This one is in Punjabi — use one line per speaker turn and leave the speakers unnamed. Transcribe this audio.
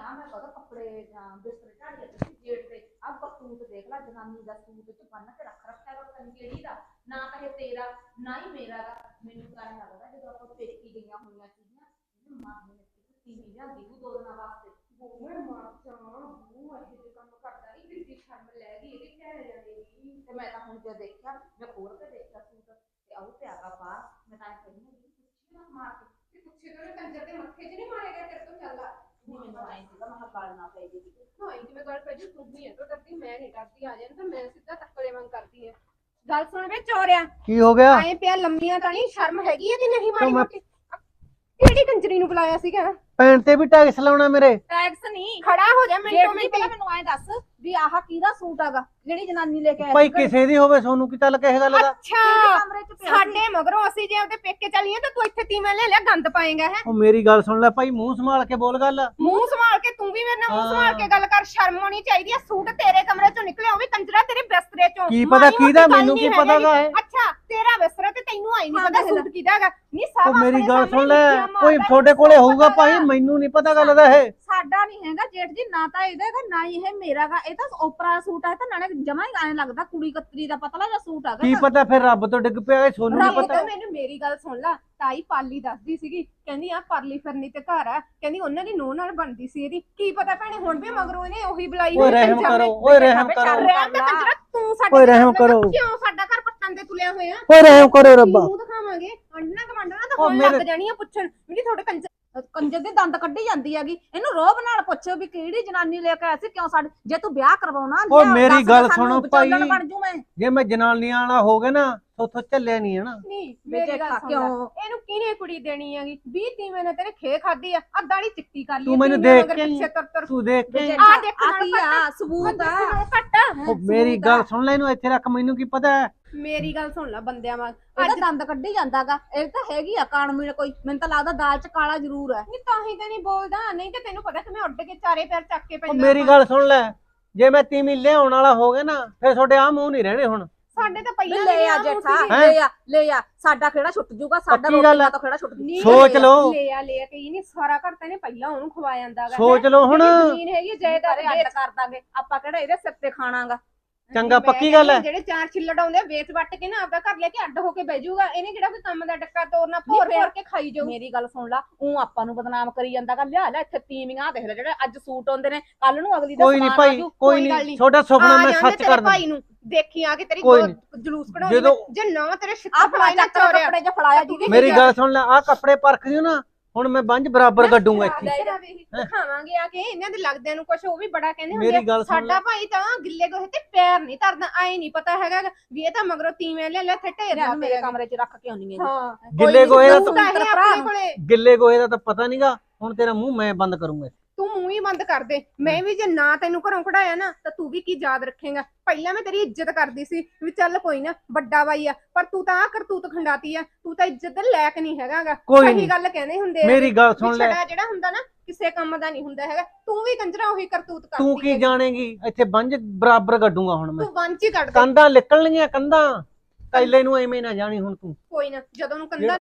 ਨਾ ਮੈਂ ਕਹਦਾ ਕੱਪੜੇ ਬਿਸਤਰੇ ਝਾੜੀਏ ਤੁਸੀਂ ਜੇਠ ਦੇ ਆ ਬਕੂਤ ਦੇਖ ਲੈ ਜਨਾਨੀ ਦਾ ਸੂਟ ਚ ਬੰਨ ਕੇ ਰੱਖ ਰੱਖਿਆ ਵਾ ਪਤਾ ਨੀ ਕਿਹੜੀ ਦਾ ਨਾ ਕਹੇ ਤੇਰਾ ਨਾ ਹੀ ਮੇਰਾ ਗਾ ਮੈਨੂੰ ਤਾਂ ਐਂ ਲੱਗਦਾ ਜਦੋਂ ਆਪਾਂ ਪੇਕੀ ਗਈਆਂ ਹੋਈਆਂ ਸੀਗੀਆਂ ਇਹਨੂੰ ਮਾਰਨੇ ਨੇ ਤੀਵੀਂ ਜਾਂਦੀ ਉਹ 2 ਦਿਨਾਂ ਵਾਸਤੇ ਮੈਂ ਮਾਰ ਜਾ ਉਹ ਇਹ ਜਿਹੇ ਕੰਮ ਕਰਦਾ ਨਹੀਂ ਕਿੱਡੀ ਸ਼ਰਮ ਲੈ ਗਈ ਇਹਦੇ ਕਹਿ ਜਾਂਦੀ ਤੇ ਮੈਂ ਤਾਂ ਹੁਣ ਜੇ ਦੇਖਿਆ ਮੈਂ ਖੋਲ ਕੇ ਦੇਖਿਆ ਸੂਟ ਤੇ ਆਉ ਪਿਆਗਾ ਬਾਹਰ ਮੈਂ ਤਾਂ ਕਹਿੰਦੀ ਪੁੱਛੀ ਨਾ ਮਾਰ ਕੇ ਪੁੱਛੇ ਤੇ ਕੰਜਰ ਦੇ ਮੱਥੇ 'ਚ ਨਹੀਂ ਮਾਰਿਆ ਗਿਆ ਤੇਰੇ ਤੋਂ ਚੱਲਦਾ ਮੈਨੂੰ ਆਈ ਸੀਗਾ ਮੈਂ ਗੱਲ ਨਾ ਪਈ ਜੀ ਹਾਂ ਜਿਵੇਂ ਗੱਲ ਪਈ ਜੀ ਤੂੰ ਵੀ ਹੈ ਤਾਂ ਕਰਦੀ ਮੈਂ ਨਹੀਂ ਕਰਦੀ ਆ ਜਾਣ ਤਾਂ ਮੈਂ ਸਿੱਧਾ ਟੱਕਰੇ ਵਾਂਗ ਕਰਦੀ ਹੈ ਗੱਲ ਸੁਣ ਵੇ ਚੋਰਿਆ
ਕੀ ਹੋ ਗਿਆ
ਐ ਪਿਆ ਲੰਮੀਆਂ ਤਾਂ ਨਹੀਂ ਸ਼ਰਮ ਹੈਗੀ ਇਹਦੀ ਨਹੀਂ ਮਾਰੀ ਮੋਟੀ ਕਿਹੜੀ ਕੰਜਰੀ ਨੂੰ ਬੁਲਾਇਆ ਸੀਗਾ
ਪੈਣ ਤੇ ਵੀ ਟੈਕਸ ਲਾਉਣਾ ਮੇਰੇ
ਟੈਕਸ ਨਹੀਂ ਖੜਾ ਹੋ ਜਾ ਮਿੰਟੋ ਮਿੰਟ ਪਹਿਲਾਂ ਮੈਨੂੰ ਐ ਦੱਸ ਵੀ ਆਹ ਕਿਹਦਾ ਸੂਟ ਹੈਗਾ ਜਿਹੜੀ ਜਨਾਨੀ ਲੈ ਕੇ ਆਈ
ਭਾਈ ਕਿਸੇ ਦੀ ਹੋਵੇ ਸੋਨੂੰ ਕੀ ਚੱਲ ਕਿਸੇ ਗੱਲ ਦਾ
ਅੱਛਾ ਸਾਡੇ ਮਗਰੋਂ ਅਸੀਂ ਜੇ ਉਹਦੇ ਪੇਕੇ ਚੱਲੀਏ ਤਾਂ ਤੂੰ ਇੱਥੇ ਤੀਵੇਂ ਲੈ ਲਿਆ ਗੰਦ ਪਾਏਗਾ ਹੈ
ਉਹ ਮੇਰੀ ਗੱਲ ਸੁਣ ਲੈ ਭਾਈ ਮੂੰਹ ਸੰਭਾਲ ਕੇ ਬੋਲ ਗੱਲ
ਮੂੰਹ ਸੰਭਾਲ ਕੇ ਤੂੰ ਵੀ ਮੇਰੇ ਨਾਲ ਮੂੰਹ ਸੰਭਾਲ ਕੇ ਗੱਲ ਕਰ ਸ਼ਰਮ ਆਉਣੀ ਚਾਹੀਦੀ ਆ ਸੂਟ ਤੇਰੇ ਕਮਰੇ ਚੋਂ ਨਿਕਲਿਆ ਉਹ ਵੀ ਕੰਜਰਾ ਤੇਰੇ ਬਿਸਤਰੇ ਚੋਂ
ਕੀ ਪਤਾ ਕਿਹਦਾ ਮੈਨੂੰ ਕੀ ਪਤਾਗਾ ਇਹ
ਅੱਛਾ ਤੇਰਾ ਬਿਸਤਰਾ ਤੇ ਤੈਨੂੰ ਆਈ ਨਹੀਂ ਪਤਾ ਸੂਟ ਕਿਹਦਾ ਹੈਗਾ ਨਹੀਂ
ਉਹ ਮੇਰੀ ਗੱਲ ਸੁਣ ਲੈ ਕੋਈ ਤੁਹਾਡੇ ਕੋਲੇ ਹੋਊਗਾ ਭਾਈ ਮੈਨੂੰ ਨਹੀਂ ਪਤਾ ਗੱਲ ਦਾ ਇਹ
ਸਾਡਾ ਨਹੀਂ ਹੈਗਾ ਜੇਠ ਜੀ ਨਾ ਤਾਂ ਇਹਦਾ ਹੈਗਾ ਨਾ ਹੀ ਇਹ ਮੇਰਾਗਾ ਇਹ ਤਾਂ ਓਪਰਾ ਸੂਟ ਹੈ ਤਾਂ ਨਾਲੇ ਜਮਾ ਹੀ ਐਂ ਲੱਗਦਾ ਕੁੜੀ ਕਤਰੀ ਦਾ ਪਤਲਾ ਜਿਹਾ ਸੂਟ ਹੈਗਾ
ਕੀ ਪਤਾ ਫਿਰ ਰੱਬ ਤੋਂ ਡਿੱਗ ਪਿਆ ਇਹ ਸੋਨੂੰ ਨਹੀਂ ਪਤਾ
ਮੈਨੂੰ ਮੇਰੀ ਗੱਲ ਸੁਣ ਲੈ ਤਾਈ ਪਾਲੀ ਦੱਸਦੀ ਸੀਗੀ ਕਹਿੰਦੀ ਆ ਪਰਲੀ ਫਿਰਨੀ ਤੇ ਘਰ ਆ ਕਹਿੰਦੀ ਉਹਨਾਂ ਦੀ ਨੂੰਹ ਨਾਲ ਬਣਦੀ ਸੀ ਇਹਦੀ ਕੀ ਪਤਾ ਭੈਣੇ ਹੁਣ ਵੀ ਮਗਰੋਂ ਇਹਨੇ ਉਹੀ ਬੁਲਾਈ
ਓਏ ਰਹਿਮ ਕਰੋ ਓਏ ਰਹਿਮ ਕਰੋ
ਤੂੰ ਸਾਡੇ
ਓਏ ਰਹਿਮ ਕਰੋ
ਕਿਉਂ ਸਾਡਾ ਘਰ ਪੱਟਣ ਤੇ ਤੁਲਿਆ ਹੋਇਆ
ਓਏ ਰਹਿਮ ਕਰੋ ਰੱਬਾ
ਮੂੰਹ ਦਿਖਾਵਾਂਗੇ ਅੰਡਣਾ ਕਮਾਂਡਣਾ ਤਾਂ ਹੁਣ ਲੱਗ ਜਾਣੀ ਆ ਪੁੱਛਣ ਵੀ ਤੁਹਾਡੇ ਕੰਜਰ ਦੇ ਦੰਦ ਕੱਢੀ ਜਾਂਦੀ ਹੈਗੀ ਇਹਨੂੰ ਰੋਬ ਨਾਲ ਪੁੱਛੋ ਵੀ ਕਿਹੜੀ ਜਨਾਨੀ ਲੈ ਕੇ ਆਇਆ ਸੀ ਕਿਉਂ ਸਾਡੇ ਜੇ ਤੂੰ ਵਿਆਹ ਕਰਵਾਉਣਾ
ਓ ਮੇਰੀ ਗੱਲ ਸੁਣੋ ਭਾਈ
ਬਣ ਜੂ ਮੈਂ
ਜੇ ਮੈਂ ਜਨਾਨੀਆਂ ਵਾਲਾ ਹੋ ਗਿਆ ਨਾ ਉਥੋਂ ਚੱਲਿਆ ਨਹੀਂ ਹਨਾ
ਨਹੀਂ ਮੇਰੀ ਗੱਲ ਸੁਣ ਇਹਨੂੰ ਕਿਹਨੇ ਕੁੜੀ ਦੇਣੀ ਹੈਗੀ 20 ਤੀਵੇਂ ਨੇ ਤੇਰੇ ਖੇ ਖਾਦੀ ਆ ਦਾੜੀ ਚਿੱਟੀ ਕਰ ਲਈ
ਤੂੰ ਮੈਨੂੰ ਦੇਖ ਕੇ ਤੂੰ ਦੇਖ ਕੇ
ਆ ਦੇਖ ਆ ਸਬੂਤ ਆ ਘੱਟ
ਓ ਮੇਰੀ ਗੱਲ ਸੁਣ ਲੈ ਇਹਨੂੰ ਇੱਥੇ ਰੱਖ ਮੈਨੂੰ ਕੀ ਪਤਾ
ਮੇਰੀ ਗੱਲ ਸੁਣ ਲੈ ਬੰਦਿਆਂ ਵਾਂਗ ਇਹਦਾ ਦੰਦ ਕੱਢੀ ਜਾਂਦਾਗਾ ਇਹ ਤਾਂ ਹੈਗੀ ਆ ਕਾਣਮੀ ਕੋਈ ਮੈਨੂੰ ਤਾਂ ਲੱਗਦਾ ਦਾਲ ਚ ਕਾਲਾ ਜ਼ਰੂਰ ਹੈ ਨਹੀਂ ਤਾਂ ਹੀ ਤੇ ਨਹੀਂ ਬੋਲਦਾ ਨਹੀਂ ਤੇ ਤੈਨੂੰ ਪਤਾ ਕਿ ਮੈਂ ਉੱਡ ਕੇ ਚਾਰੇ ਪੈਰ ਚੱਕ ਕੇ ਪੈਂਦਾ
ਮੇਰੀ ਗੱਲ ਸੁਣ ਲੈ ਜੇ ਮੈਂ ਤੀਵੀਂ ਲਿਆਉਣ ਵਾਲਾ ਹੋ ਗਿਆ ਨਾ ਫਿਰ ਤੁਹਾਡੇ ਆ ਮੂੰਹ ਨਹੀਂ ਰਹਿਣੇ ਹੁਣ
ਸਾਡੇ ਤਾਂ ਪਹਿਲਾਂ ਲੈ ਆ ਜੇਠਾ ਲੈ ਆ ਸਾਡਾ ਖੇੜਾ ਛੁੱਟ ਜੂਗਾ ਸਾਡਾ ਰੋਟੀਆਂ ਤੋਂ ਖੇੜਾ ਛੁੱਟ ਜੂ
ਸੋਚ ਲਓ
ਲੈ ਕਹੀ ਨਹੀਂ ਸਾਰਾ ਘਰ ਤਾਂ ਇਹਨੇ ਪਹਿਲਾਂ ਉਹਨੂੰ ਖਵਾ ਜਾਂਦਾਗਾ
ਸੋਚ ਲਓ ਹੁਣ
ਜ਼ਮੀਨ ਹੈਗੀ ਜਾਇਦਾਦ ਅੱਡ ਕਰ ਦਾਂਗੇ ਆਪਾਂ ਕਿਹੜਾ ਇਹਦੇ ਸਿਰ ਤੇ ਖਾਣਾਗਾ
ਚੰਗਾ ਪੱਕੀ ਗੱਲ ਹੈ
ਜਿਹੜੇ 4 ਛਿੱਲੜ ਆਉਂਦੇ ਵੇਚ ਵੱਟ ਕੇ ਨਾ ਆਪਦਾ ਘਰ ਲੈ ਕੇ ਅੱਡ ਹੋ ਕੇ ਬਹਿ ਜਾਊਗਾ ਇਹਨੇ ਕਿਹੜਾ ਕੋਈ ਕੰਮ ਦਾ ਡੱਕਾ ਤੋੜਨਾ ਭੋਰ ਕੇ ਖਾਈ ਜਾਊ ਮੇਰੀ ਗੱਲ ਸੁਣ ਲਾ ਉਹ ਆਪਾਂ ਨੂੰ ਬਦਨਾਮ ਕਰੀ ਜਾਂਦਾਗਾ ਲਿਆ ਲੈ ਇੱਥੇ ਤੀਵੀਆਂ ਦੇਖ ਲੈ ਜਿਹੜੇ ਅੱਜ ਸੂਟ ਆਉਂਦੇ ਨੇ ਕੱਲ ਨੂੰ ਅਗਲੀ ਦਾ
ਕੋਈ ਨਹੀਂ ਭਾਈ ਕੋਈ ਨਹੀਂ ਤੁਹਾਡਾ ਸੁਪਨਾ ਮੈਂ ਸੱਚ ਕਰ
ਭਾਈ ਨੂੰ ਦੇਖੀ ਆ ਕੇ ਤੇਰੀ ਜਲੂਸ ਕਢਾਉਂਦੀ ਜੇ ਨਾ ਤੇਰੇ ਛਿੱਤਰ
ਫੜਾਇਆ ਨਾ ਕੱਪੜੇ ਚ ਫੜਾਇਆ ਜੀ
ਮੇਰੀ ਗੱਲ ਸੁਣ ਲੈ ਆ ਕੱਪੜੇ ਪਰਖ ਦਿਓ ਨਾ ਹੁਣ ਮੈਂ ਬੰਜ ਬਰਾਬਰ ਕੱਢੂੰਗਾ ਇੱਥੇ
ਦਿਖਾਵਾਂਗੇ ਆ ਕੇ ਇਹਨਾਂ ਦੇ ਲੱਗਦਿਆਂ ਨੂੰ ਕੁਝ ਉਹ ਵੀ ਬੜਾ ਕਹਿੰਦੇ
ਮੇਰੀ ਗੱਲ
ਹੁੰਦੇ ਸਾਡਾ ਭਾਈ ਤਾਂ ਗਿੱਲੇ ਗੋਹੇ ਤੇ ਪੈਰ ਨਹੀਂ ਧਰਦਾ ਆਏ ਨਹੀਂ ਪਤਾ ਹੈਗਾ ਵੀ ਇਹ ਤਾਂ ਮਗਰੋਂ ਤੀਵੇਂ ਲੈ ਇੱਥੇ ਢੇਰ
ਮੇਰੇ ਕਮਰੇ ਚ ਰੱਖ ਕੇ ਆਉਣੀ ਹੈ
ਹਾਂ
ਗਿੱਲੇ ਗੋਹੇ ਦਾ
ਗਿੱਲੇ
ਗੋਹੇ ਦਾ ਤਾਂ ਪਤਾ ਨਹੀਂਗਾ ਹੁਣ ਤੇਰਾ ਮੂੰਹ ਮੈਂ ਬੰਦ ਕਰੂੰਗਾ
ਤੂੰ ਮੂੰਹ ਹੀ ਬੰਦ ਕਰ ਦੇ ਮੈਂ ਵੀ ਜੇ ਨਾ ਤੈਨੂੰ ਘਰੋਂ ਕਢਾਇਆ ਨਾ ਤਾਂ ਤੂੰ ਵੀ ਕੀ ਯਾਦ ਰੱਖੇਗਾ ਪਹਿਲਾਂ ਮੈਂ ਤੇਰੀ ਇੱਜ਼ਤ ਕਰਦੀ ਸੀ ਵੀ ਚੱਲ ਕੋਈ ਨਾ ਵੱਡਾ ਬਾਈ ਆ ਪਰ ਤੂੰ ਤਾਂ ਆ ਕਰਤੂਤ ਖੰਡਾਤੀ ਆ ਤੂੰ ਤਾਂ ਇੱਜ਼ਤ ਦੇ ਲਾਇਕ ਨਹੀਂ ਹੈਗਾਗਾ ਸਹੀ ਗੱਲ ਕਹਿੰਦੇ ਹੁੰਦੇ ਆ
ਮੇਰੀ ਗੱਲ ਸੁਣ ਲੈ
ਜਿਹੜਾ ਹੁੰਦਾ ਨਾ ਕਿਸੇ ਕੰਮ ਦਾ ਨਹੀਂ ਹੁੰਦਾ ਹੈਗਾ ਤੂੰ ਵੀ ਕੰਜਰਾ ਉਹੀ ਕਰਤੂਤ ਕਰਦੀ
ਤੂੰ ਕੀ ਜਾਣੇਗੀ ਇੱਥੇ ਬੰਜ ਬਰਾਬਰ ਕੱਢੂੰਗਾ ਹੁਣ ਮੈਂ
ਤੂੰ ਬੰਚ ਹੀ ਕੱਢ ਦੇ
ਕੰਧਾਂ ਨਿਕਲਣਗੀਆਂ ਕੰਧਾਂ ਕੱਲੇ ਨੂੰ ਐਵੇਂ ਨਾ ਜਾਣੀ ਹੁਣ ਤੂੰ
ਕੋਈ ਨਾ ਜਦੋਂ ਨੂੰ ਕੰਧਾਂ